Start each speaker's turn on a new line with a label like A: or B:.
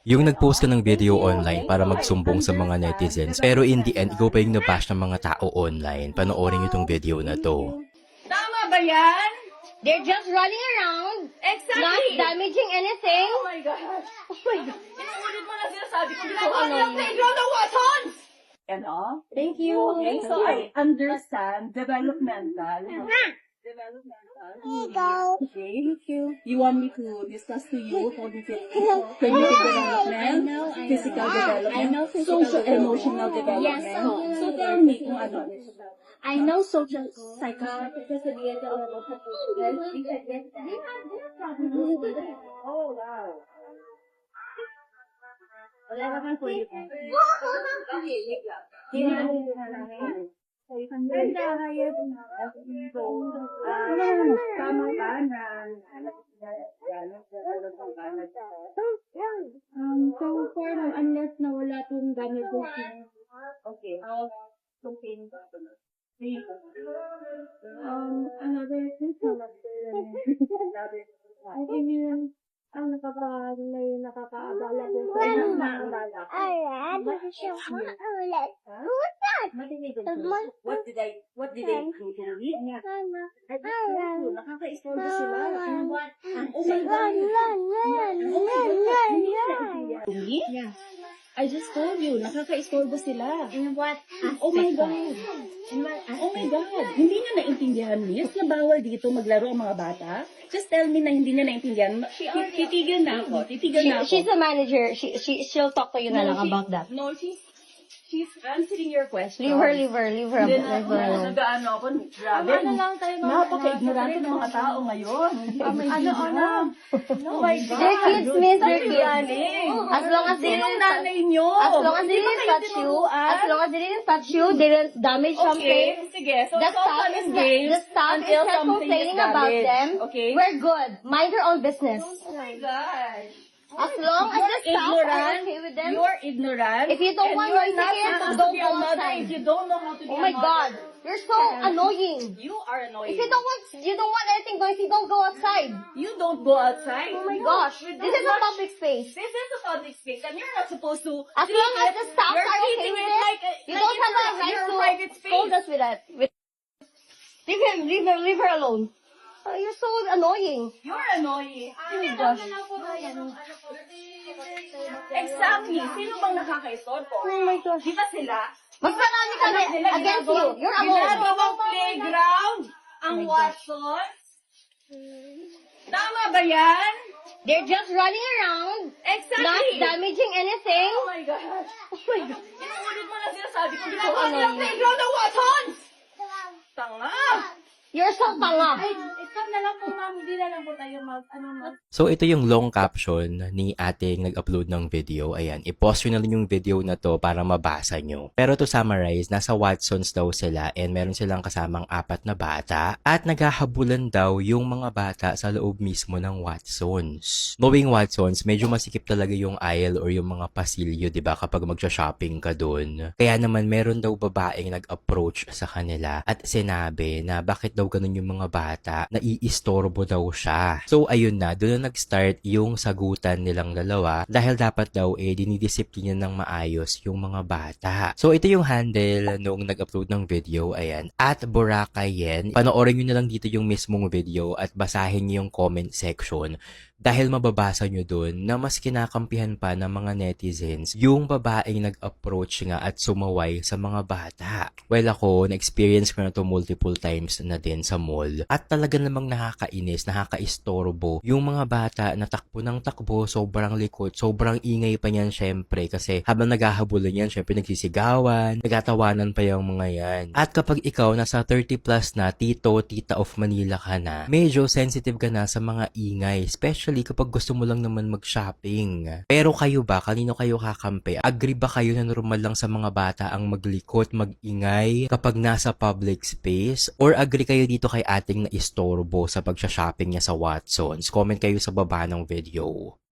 A: Yung nag-post ka ng video online para magsumbong sa mga netizens, pero in the end, ikaw pa yung nabash ng mga tao online. Panoorin niyo tong video na to.
B: Tama ba yan?
C: They're just running around, not
B: Exactly.
C: damaging anything.
B: Oh my God.
C: Oh my God.
B: Inuulit mo na sinasabi ko.
C: So annoying.
B: Playground ng Watsons!
D: Ano?
C: Thank you.
D: Okay, so I understand developmental. Okay.
C: Thank you.
D: You want me to discuss to you how the cognitive development, physical development,
E: I know physical
D: social emotional development.
E: Yes.
D: So tell me kung ano.
E: I know social psychology.
D: Oh, wow. Wala naman po yun. Tama ba na
E: So far, unless na wala pong gamit ko.
D: okay.
E: Another thing. I think yun ang nakakaabala ko sa nakakaabala.
D: What did I do to you? Nakaka-istorbo sila. Oh my God.
E: Yeah. I just told you, nakaka-istorbo sila.
C: In what
E: Oh my God. Oh my God. Hindi niya naintindihan, miss, na bawal dito maglaro ang mga bata? Just tell me na hindi niya naintindihan. Titigil na ako. Titigil na ako.
C: She's the manager. She'll talk to you na lang about that.
E: No, she's answering your question.
C: Leave her alone.
D: Nag-ano ako, grabe.
E: Napaka-ignorante ng mga tao ngayon. Oh my God.
C: They're kids, miss. They're kids. As long as they
E: Sinong
C: didn't
E: nanay nyo?
C: as long as they
E: Hindi ba
C: didn't
E: kayo
C: touch you,
E: tinuruan?
C: as long as they didn't touch you, they didn't damage something.
E: Okay, sige. So,
C: The
E: it's all
C: staff
E: fun
C: is
E: and games
C: the staff is
E: until
C: not
E: something
C: complaining
E: is
C: about
E: damaged.
C: them.
E: Okay?
C: We're good. Mind your own business.
E: Oh my God.
C: As long as the staff are okay with them.
E: You're ignorant.
C: If you don't
E: and
C: want
E: you're
C: noisy
E: not
C: kids,
E: supposed
C: don't
E: to be
C: go
E: a mother
C: outside.
E: if you don't know how to be
C: Oh
E: a
C: my
E: mother.
C: God, you're so annoying.
E: You are annoying.
C: If you don't want anything noisy, don't go outside.
E: You don't go outside.
C: Oh my gosh, this is a public space.
E: This is a public space and you're not supposed to
C: As
E: treat
C: long as
E: it-
C: the staff
E: you're
C: are okay
E: treating
C: with
E: it
C: it,
E: like
C: you
E: like
C: don't have a
E: it's
C: right
E: your
C: to
E: private space.
C: scold us with that. Leave her alone. You're so annoying.
E: You're annoying.
C: Oh my gosh.
E: Exactly. Sino bang nakaka-istorbo?
C: Oh my gosh.
E: Di ba sila?
C: Mas marami kami against you. You're alone.
E: Ginagawang playground ang Watsons. Tama ba yan?
C: They're just running around,
E: Exactly.
C: not damaging anything.
E: Oh my God.
C: Oh my God.
E: Inuulit mo na sinasabi ko.
C: So
E: Ginagawa nilang
C: annoying.
E: playground ang Watsons. Tanga.
C: You're so tanga.
E: Stop na lang po, ma'am. Hindi na lang po tayo
A: So, ito yung long caption ni ating nag-upload ng video. Ayan, i-pause nyo na lang yung video na to para mabasa nyo. Pero to summarize, nasa Watsons daw sila and meron silang kasamang 4 na bata at naghahabulan daw yung mga bata sa loob mismo ng Watsons. Knowing Watsons, medyo masikip talaga yung aisle or yung mga pasilyo, di ba, kapag magsha-shopping ka dun. Kaya naman, meron daw babaeng nag-approach sa kanila at sinabi na bakit daw ganun yung mga bata, naiistorbo daw siya. So, ayun na, doon na nag-start yung sagutan nilang dalawa dahil dapat daw dinidisiplina ng maayos yung mga bata. So, ito yung handle noong nag-upload ng video, ayan, at Boracay. Panoorin nyo na lang dito yung mismong video at basahin nyo yung comment section. Dahil mababasa nyo dun na mas kinakampihan pa ng mga netizens yung babaeng nag-approach nga at sumaway sa mga bata. Well, ako, na-experience ko na to multiple times na din sa mall. At talaga namang nakakainis, nakakaistorbo yung mga bata na takbo ng takbo, sobrang likot, sobrang ingay pa niyan syempre kasi habang naghahabulan yan, syempre nagsisigawan, nagtatawanan pa yung mga yan. At kapag ikaw nasa 30 plus na, tita of Manila ka na, medyo sensitive ka na sa mga ingay, especially kapag gusto mo lang naman mag-shopping. Pero kayo ba? Kanino kayo kakampi? Agree ba kayo na normal lang sa mga bata ang maglikot, mag-ingay kapag nasa public space? Or agree kayo dito kay ating na istorbo sa pag-shopping niya sa Watsons? Comment kayo sa baba ng video.